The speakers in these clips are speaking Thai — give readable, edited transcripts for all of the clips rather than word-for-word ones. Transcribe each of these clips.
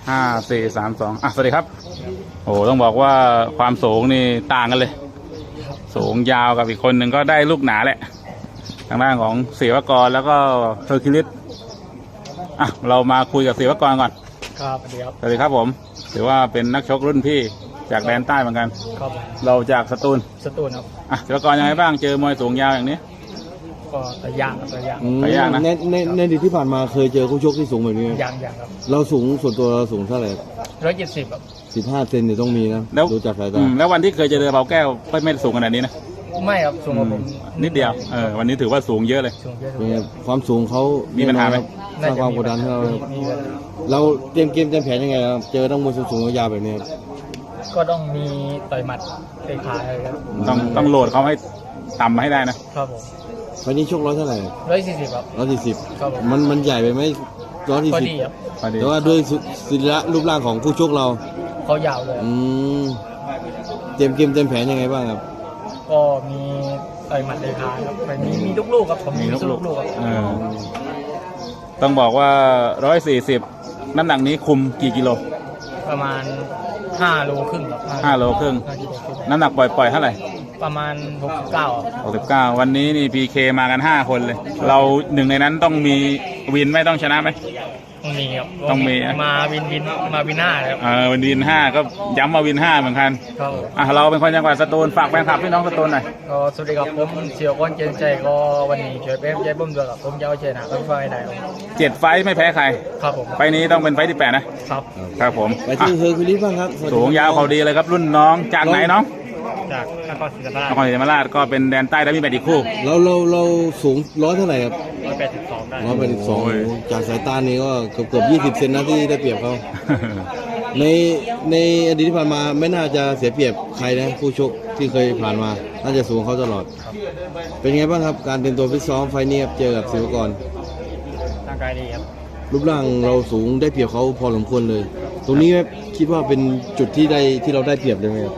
5 4 3 2สวัสดีครับโอ้ต้องบอกว่าความสูงนี่ต่างกันเลยสูงยาวกับอีกคนหนึ่งก็ได้ลูกหนาแหละทางด้านของศิวกรแล้วก็เฮอร์คิวลิสเรามาคุยกับศิวกรก่อนครับสวัสดีครับสวัสดีครับผมถือว่าเป็นนักชกรุ่นพี่จากแดนใต้เหมือนกันครับเราจากสตูลครับศิวกรยังไงบ้างเจอมวยสูงยาวอย่างนี้ก็ตัวอย่างนะในอดีตที่ผ่านมาเคยเจอคู่ชกที่สูงแบบนี้อย่างครับเราสูงส่วนตัวเราสูงเท่าไหร่ 170ครับ 15 เซนเนี่ยต้องมีนะดูจากสายตาแล้ววันที่เคยเจอเบาแก้วไม่สูงขนาดนี้นะไม่ครับสูงกว่าผมนิดเดียววันนี้ถือว่าสูงเยอะเลยความสูงเขามีปัญหาไหมสร้างความกดดันให้เราเตรียมเกมเตรียมแผนยังไงครับเจอต้องมวยสูงยาวแบบนี้ก็ต้องมีต่อยหมัดเตะขาเลยครับต้องโหลดเขาให้ต่ำให้ได้นะครับผมวันนี้ชกเท่าไหร่ 140ครับครับมันใหญ่ไปไหม140 พอดีครับแต่ว่าด้วยศิลปะรูปร่างของคู่ชกเราเขายาวเลยเตรียมเกมเตรียมแผนยังไงบ้างครับก็มีต่อยหมัดเตะขาครับมีลูกครับผมมีลูกครับต้องบอกว่า140น้ำหนักนี้คุมกี่กิโลประมาณ5 โลครึ่งครับ 5 โลครึ่งน้ำหนักปล่อยเท่าไหร่ประมาณ 69วันนี้นี่พีเคมากัน5 คนเลยเราหนึ่งในนั้นต้องมีวินไม่ต้องชนะไหมต้องมีครับต้องมีมาวิน5ครับวิน5ก็ย้ำมาวิน5เหมือนกันเราเป็นคนจังหวัดสตูลฝากแฟนคลับพี่น้องสตูลหน่อยก็สวัสดีครับผมเสี่ยวก้อนเจนใจก็วันนี้ช่วยเป็นใจบุ้มด้วยครับผมจะเอาชนะต้องไฟได้ 7 ไฟไม่แพ้ใครครับผมไฟนี้ต้องเป็นไฟที่8นะครับผมไปที่เฮอร์คิวลิสบ้างครับสูงยาวเขาดีเลยครับรุ่นน้องจากไหนน้องจากนครศรีธรรมราชก็เป็นแดนใต้แล้วมีแบดอีกคู่เราสูงเท่าไหร่ครับ 182ได้ 182จากสายตานี้ก็เกือบ20 เซนนะที่ได้เปรียบเขาในอดีตที่ผ่านมาไม่น่าจะเสียเปรียบใครนะผู้ชกที่เคยผ่านมาน่าจะสูงเขาตลอดเป็นไงบ้างครับการเตรียมตัวฟิตซ้อมไฟนี้เจอกับศิวกรร่างกายดีครับรูปร่างเราสูงได้เปรียบเขาพอสมควรเลยตรงนี้คิดว่าเป็นจุดที่เราได้เปรียบเลยไหมครับ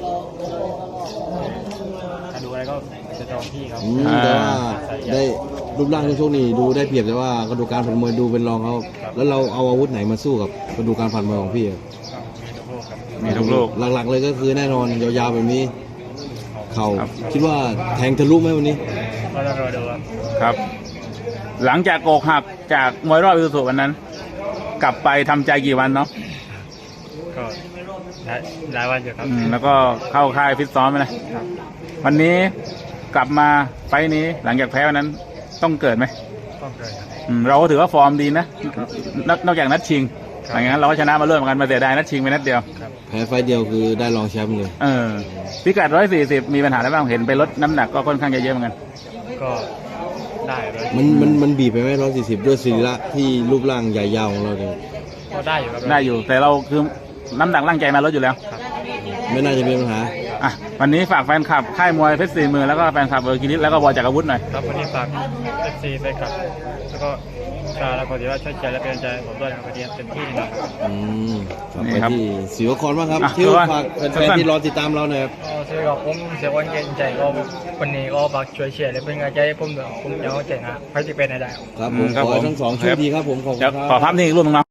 ดูอะไรก็จะจองพี่ครับแต่ว่าได้รูปร่างที่โชคนี่ดูได้เปรียบแต่ว่ากระดูกการผ่านมวยดูเป็นรองเขาแล้วเราเอาอาวุธไหนมาสู้กับกระดูกการผ่านมวยของพี่มีทุกลูกหลักๆเลยก็คือแน่นอนยาวๆแบบนี้เข่าคิดว่าแทงทะลุไหมวันนี้ก็ต้องรอดูครับหลังจากโกกหักจากมวยรอบอิสุสุวันนั้นกลับไปทำใจกี่วันเนาะก็หลายวันอยู่ครับแล้วก็เข้าค่ายฟิตซ้อมนะวันนี้กลับมาไฟนี้หลังจากแพ้วันนั้นต้องเกิดไหมต้องเกิดเราก็ถือว่าฟอร์มดีนะนอกจากนัดชิงอย่างนั้นเราก็ชนะมาเรื่อยเหมือนกันมาเสียดายนัดชิงไปนัดเดียวแพ้ไฟเดียวคือได้รองแชมป์เลยพิกัด140มีปัญหาอะไรบ้างเห็นไปลดน้ำหนักก็ค่อนข้างเยอะเหมือนกันก็ได้มันบีบไปไหม140ด้วยศิลปะที่รูปร่างใหญ่ยาวของเราเนี่ยก็ได้อยู่ครับได้อยู่แต่เราคือน้ำหนักร่างใจมาลดอยู่แล้วไม่น่าจะมีปัญหาวันนี้ฝากแฟนคลับค่ายมวยเพชร4 มือแล้วก็แฟนคลับเฮอร์คิวลิสแล้วก็บอยจากอาวุธหน่อยครับวันนี้ฝากFCแฟนคลับแล้วก็แล้วก็ถือว่าช่วยใจและเป็นใจผมด้วยนะครับวันนี้เต็มที่นะครับนี่ครับที่ศิวกรบ้างครับที่ฝากแฟนที่รอติดตามเราหน่อยครับสวัสดีครับผมเสี่ยวก้อนเจนใจก็วันนี้ก็ฝากช่วยเชียร์และเป็นกำลังใจให้ผมด้วยผมจะเอาชนะไฟที่เป็นได้ครับผมขอทั้ง2ช่วยดีครับผมขอบคุณครับขอภาพนี้อีกรูปนึงนะ